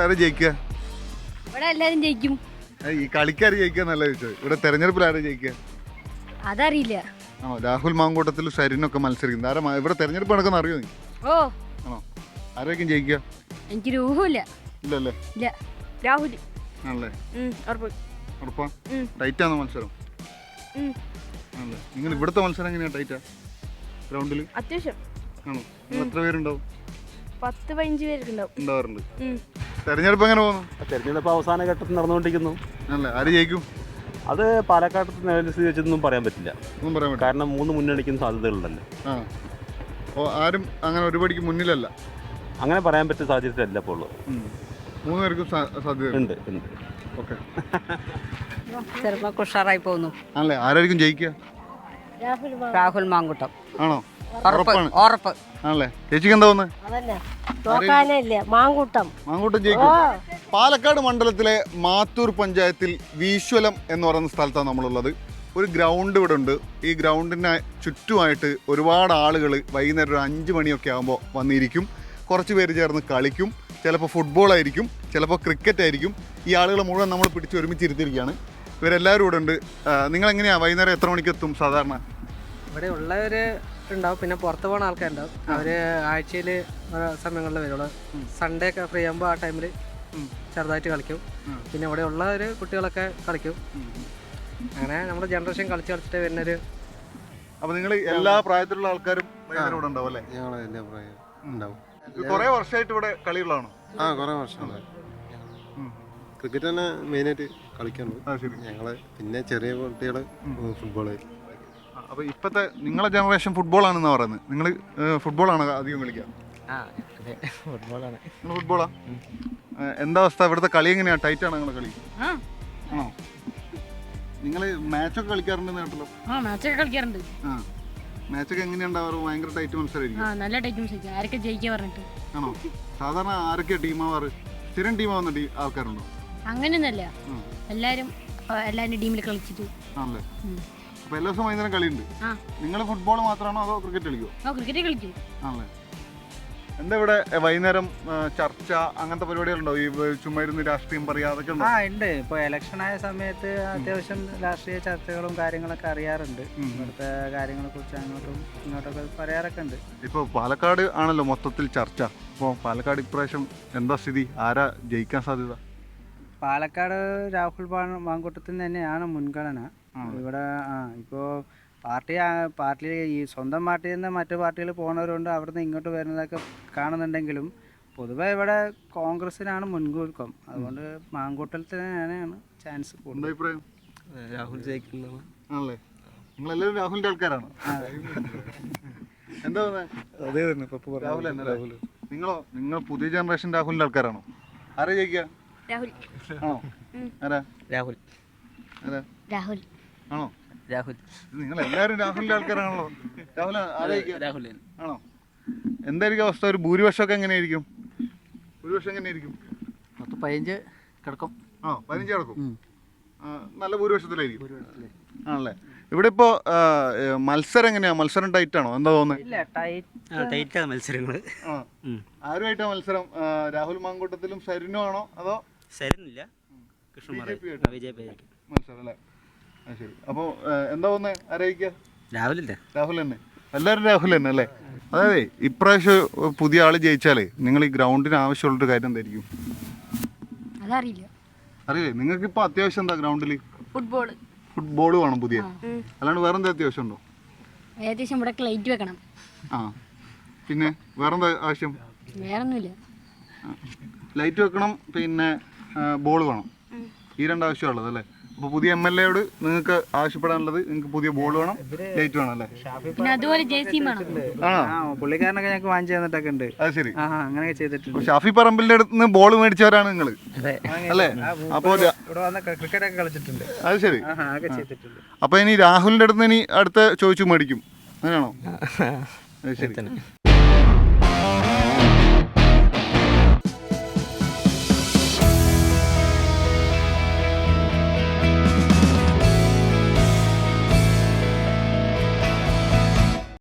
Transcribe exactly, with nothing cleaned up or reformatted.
ആരാ ജയിക്കുക? ഇവിടെ എല്ലാരും ജയിക്കും. ഈ കളിക്കാർ ജയിക്കാന്നല്ല ചോദിച്ചത്, ഇവിടെ തെരഞ്ഞെടുപ്പിൽ ആരാ ജയിക്കുക? അതറിയില്ല. ആണോ? രാഹുൽ മാങ്കൂട്ടത്തിലും ഷരിനൊക്കെ മത്സരിക്കുന്നത്. ആരാ ഇവിടെ തെരഞ്ഞെടുപ്പ് നടക്കുന്ന അറിയോ നീ? ഓ ആണോ? ആരായിരിക്കും ജയിക്കുക? എനിക്ക് രൂഹമില്ല. ഇല്ലല്ലേ? ഇല്ല. രാഹുൽ ആണല്ലേ? ഉറപ്പാ? ഉം. ടൈറ്റാണോ മത്സരം? ആണല്ലേ? നിങ്ങൾ ഇവിടുത്തെ മത്സരം എങ്ങനെയാ? ടൈറ്റാ ഗ്രൗണ്ടിൽ? അത്യാവശ്യം. ആണോ? നിങ്ങൾ എത്ര പേരുണ്ടാവും? പത്ത് പതിനഞ്ച് പേരൊക്കെ ഉണ്ടാവാറുണ്ട്. തെരഞ്ഞെടുപ്പ് എങ്ങനെ പോകുന്നു? തെരഞ്ഞെടുപ്പ് അവസാന ഘട്ടത്തിൽ നടന്നുകൊണ്ടിരിക്കുന്നു. ആണല്ലേ? ആര് ജയിക്കും? അത് പാലക്കാട് വെച്ചൊന്നും പറയാൻ പറ്റില്ല. ഒന്നും പറയാൻ പറ്റില്ല. കാരണം മൂന്ന് മുന്നണിക്കുന്ന സാധ്യതകളുണ്ടല്ലോ. ആ, അപ്പോൾ ആരും അങ്ങനെ ഒരുപടിക്ക് മുന്നിലല്ല. അങ്ങനെ പറയാൻ പറ്റിയ സാധ്യതയല്ല ഇപ്പോൾ ഉള്ളത്. മൂന്ന് പേർക്കും സാധ്യത ഉണ്ട് ഉണ്ട് ഓക്കെ. ചിലപ്പോൾ ഉഷാറായി പോകുന്നു. ആണല്ലേ? ആരായിരിക്കും ജയിക്കുക? രാഹുൽ മാങ്കൂട്ടം. ആണോ? ഉറപ്പാണ്. ഉറപ്പ്. ആണല്ലേ? ചേച്ചിക്ക് എന്താ തോന്നുന്നത്? മാങ്കൂട്ടം മാങ്കൂട്ടം ജയിക്കും. പാലക്കാട് മണ്ഡലത്തിലെ മാത്തൂർ പഞ്ചായത്തിൽ വീശ്വലം എന്ന് പറയുന്ന സ്ഥലത്താണ് നമ്മളുള്ളത്. ഒരു ഗ്രൗണ്ട് ഇവിടെ ഉണ്ട്. ഈ ഗ്രൗണ്ടിന് ചുറ്റുമായിട്ട് ഒരുപാട് ആളുകൾ വൈകുന്നേരം ഒരു അഞ്ച് മണിയൊക്കെ ആകുമ്പോൾ വന്നിരിക്കും. കുറച്ച് പേര് ചേർന്ന് കളിക്കും. ചിലപ്പോൾ ഫുട്ബോൾ ആയിരിക്കും, ചിലപ്പോൾ ക്രിക്കറ്റ് ആയിരിക്കും. ഈ ആളുകൾ മുഴുവൻ നമ്മൾ പിടിച്ച് ഒരുമിച്ചിരുത്തിയിരിക്കുകയാണ്. ഇവരെല്ലാവരും ഇവിടെ ഉണ്ട്. നിങ്ങളെങ്ങനെയാണ് വൈകുന്നേരം എത്ര മണിക്ക് എത്തും സാധാരണ? ഇവിടെ ഉള്ളവർ ഉണ്ടാവും, പിന്നെ പുറത്ത് പോകുന്ന ആൾക്കാരുണ്ടാവും. അവർ ആഴ്ചയിൽ സമയങ്ങളിൽ വരുള്ളൂ. സൺഡേ ഒക്കെ ഫ്രീ ആകുമ്പോൾ ആ ടൈമിൽ ചെറുതായിട്ട് കളിക്കും. പിന്നെ ഇവിടെ ഉള്ളവർ കുട്ടികളൊക്കെ കളിക്കും. അങ്ങനെ നമ്മുടെ ജനറേഷൻ കളിച്ച് കളിച്ചിട്ട് വരുന്നൊരു. അപ്പോൾ നിങ്ങൾ എല്ലാ പ്രായത്തിലുള്ള ആൾക്കാരും ഇവിടെ ഉണ്ടാവും അല്ലേ? ഞങ്ങൾ എല്ലാ പ്രായം ഉണ്ടാവും. കുറേ വർഷമായിട്ട് ഇവിടെ കളികളാണോ? ആ, കുറേ വർഷമായി. ക്രിക്കറ്റ് തന്നെ മെയിനായിട്ട് കളിക്കാറുണ്ട് ഞങ്ങള്. പിന്നെ ചെറിയ കുട്ടികൾ ഫുട്ബോള്. അപ്പോൾ ഇപ്പോഴത്തെ നിങ്ങളെ ജനറേഷൻ ഫുട്ബോളാണെന്നാണ് പറയുന്നത്. നിങ്ങൾ ഫുട്ബോളാണ് അധികം കളിക്കുക? ഫുട്ബോളാണ്. നിങ്ങൾ ഫുട്ബോളാ? എന്താ അവസ്ഥ ഇവിടുത്തെ കളി എങ്ങനെയാണ്? ടൈറ്റാണ് നിങ്ങളെ കളി? ആണോ? നിങ്ങൾ മാച്ചൊക്കെ കളിക്കാറുണ്ടെന്ന് കേട്ടല്ലോ. ആ, മാച്ചൊക്കെ കളിക്കാറുണ്ട്. ആ, മാച്ചൊക്കെ എങ്ങനെയുണ്ടാവാറ്? ഭയങ്കര ടൈറ്റ് മത്സരമായിരിക്കും. ആ, നല്ല ടൈറ്റ് മത്സരിക്കും. ആരൊക്കെ ജയിക്കാൻ പറഞ്ഞിട്ട്? ആണോ? സാധാരണ ആരൊക്കെയാണ് ടീമാവാറ്? സ്ഥിരം ടീമാവുന്ന ടീ ആൾക്കാരുണ്ടോ? അങ്ങനെയൊന്നല്ല, എല്ലാരും എല്ലാവരും ടീമിൽ കളിച്ചിട്ട്. ആണല്ലേ? അപ്പോൾ എല്ലാ ദിവസവും വൈകുന്നേരം കളിയുണ്ട്. നിങ്ങൾ ഫുട്ബോൾ മാത്രമാണോ അതോ ക്രിക്കറ്റ് കളിക്കുമോ? ആ, ക്രിക്കറ്റ് കളിക്കും. ആണല്ലേ? എന്താ ഇവിടെ വൈകുന്നേരം ചർച്ച അങ്ങനത്തെ പരിപാടികളുണ്ടോ? ഈ ചുമ്മാ ഇരുന്ന് രാഷ്ട്രീയം പറയാ അതൊക്കെ ഉണ്ടോ? ആ, ഉണ്ട്. ഇപ്പോൾ ഇലക്ഷൻ ആയ സമയത്ത് അത്യാവശ്യം രാഷ്ട്രീയ ചർച്ചകളും കാര്യങ്ങളൊക്കെ അറിയാറുണ്ട്. ഇവിടുത്തെ കാര്യങ്ങളെ കുറിച്ച് അങ്ങോട്ടും ഇങ്ങോട്ടൊക്കെ പറയാറൊക്കെ ഉണ്ട്. ഇപ്പോൾ പാലക്കാട് ആണല്ലോ മൊത്തത്തിൽ ചർച്ച. അപ്പോൾ പാലക്കാട് ഇപ്രാവശ്യം എന്താ സ്ഥിതി? ആരാ ജയിക്കാൻ സാധ്യത? പാലക്കാട് രാഹുൽ മാങ്കൂട്ടത്തിന് തന്നെയാണ് മുൻഗണന ഇവിടെ. ആ, ഇപ്പോൾ പാർട്ടി പാർട്ടി ഈ സ്വന്തം പാർട്ടിയിൽ നിന്ന് മറ്റു പാർട്ടികൾ പോകുന്നവരുണ്ട്, അവിടുന്ന് ഇങ്ങോട്ട് വരുന്നതൊക്കെ കാണുന്നുണ്ടെങ്കിലും പൊതുവെ ഇവിടെ കോൺഗ്രസിനാണ് മുൻതൂക്കം. അതുകൊണ്ട് മാങ്കൂട്ടത്തിനാണ് ചാൻസ് കൂടുതൽ. അഭിപ്രായം? രാഹുൽ ജയിക്കുന്നത് ആണല്ലേ? നിങ്ങളെല്ലാവരും രാഹുലിൻ്റെ ആൾക്കാരാണോ? എന്താ അതേ തന്നെ രാഹുൽ തന്നെ. നിങ്ങളോ? നിങ്ങൾ പുതിയ ജനറേഷൻ രാഹുലിൻ്റെ ആൾക്കാരാണോ? ആരാ ജയിക്കുക? രാഹുൽ. ആണോ? ആരാ? രാഹുൽ. ആരാ? രാഹുൽ. ആണോ? രാഹുൽ. നിങ്ങൾ എല്ലാവരും രാഹുലിൻ്റെ ആൾക്കാരാണല്ലോ. രാഹുൽ രാഹുൽ ആണോ? എന്തായിരിക്കും അവസ്ഥ? ഒരു ഭൂരിപക്ഷമൊക്കെ എങ്ങനെയായിരിക്കും? ഭൂരിപക്ഷം എങ്ങനെയായിരിക്കും? പത്ത് പതിനഞ്ച് കിടക്കും. ആ, പതിനഞ്ച് കിടക്കും. നല്ല ഭൂരിപക്ഷത്തിലായിരിക്കും ആണല്ലേ? ഇവിടെ ഇപ്പോൾ മത്സരം എങ്ങനെയാ? മത്സരം ടൈറ്റ് ആണോ? എന്താ തോന്നുന്നത്? ടൈറ്റാ മത്സരങ്ങൾ. ആ, ആരുമായിട്ടാ മത്സരം? രാഹുൽ മാങ്കൂട്ടത്തിലും ഷരിനും ആണോ അതോ? ശരിന്നില്ല, മത്സരം അല്ലേ? ആ, ശരി. അപ്പോൾ എന്താ തോന്നുന്നത്? ആരായിരിക്കുക? രാഹുലല്ലേ? രാഹുൽ തന്നെ. എല്ലാവരും രാഹുൽ തന്നെ അല്ലേ? അതായത് ഇപ്രാവശ്യം പുതിയ ആൾ ജയിച്ചാലേ നിങ്ങൾ ഈ ഗ്രൗണ്ടിന് ആവശ്യമുള്ളൊരു കാര്യം എന്തായിരിക്കും? അതറിയില്ല. അറിയില്ലേ? നിങ്ങൾക്ക് ഇപ്പോൾ അത്യാവശ്യം എന്താ ഗ്രൗണ്ടിൽ? ഫുട്ബോൾ. ഫുട്ബോൾ വേണം പുതിയ, അല്ലാണ്ട് വേറെന്താ അത്യാവശ്യം ഉണ്ടോ? ഏകദേശം ഇവിടെ ലൈറ്റ് വെക്കണം. ആ, പിന്നെ വേറെന്താ ആവശ്യം? വേറൊന്നുമില്ല. ലൈറ്റ് വെക്കണം, പിന്നെ ബോൾ വേണം. ഈ രണ്ടാവശ്യമുള്ളത് അല്ലേ? അപ്പോൾ പുതിയ എം എൽ എയോട് നിങ്ങൾക്ക് ആവശ്യപ്പെടാനുള്ളത് നിങ്ങൾക്ക് പുതിയ ബോൾ വേണം, ലൈറ്റ് വേണം അല്ലേ? പിന്നെ അതുപോലെ ജേഴ്സിയും വേണം. ആ, പുള്ളിക്കാരനൊക്കെ ഞങ്ങൾക്ക് വാങ്ങിച്ചു തന്നിട്ടൊക്കെ ഉണ്ട്. അത് ശരി. അങ്ങനെയൊക്കെ ചെയ്തിട്ടുണ്ട്. ഷാഫി പറമ്പിലിന്റെ അടുത്ത് നിന്ന് ബോൾ മേടിച്ചവരാണ് നിങ്ങൾ അല്ലേ? അപ്പോൾ ഇവിടെ വന്ന് ക്രിക്കറ്റ് ഒക്കെ കളിച്ചിട്ടുണ്ട്. അത് ശരി. ചെയ്തിട്ടുണ്ട്. അപ്പോൾ ഇനി രാഹുലിന്റെ അടുത്ത് ഇനി അടുത്ത ചോദിച്ചു മേടിക്കും, അങ്ങനെയാണോ? അത് ശരി.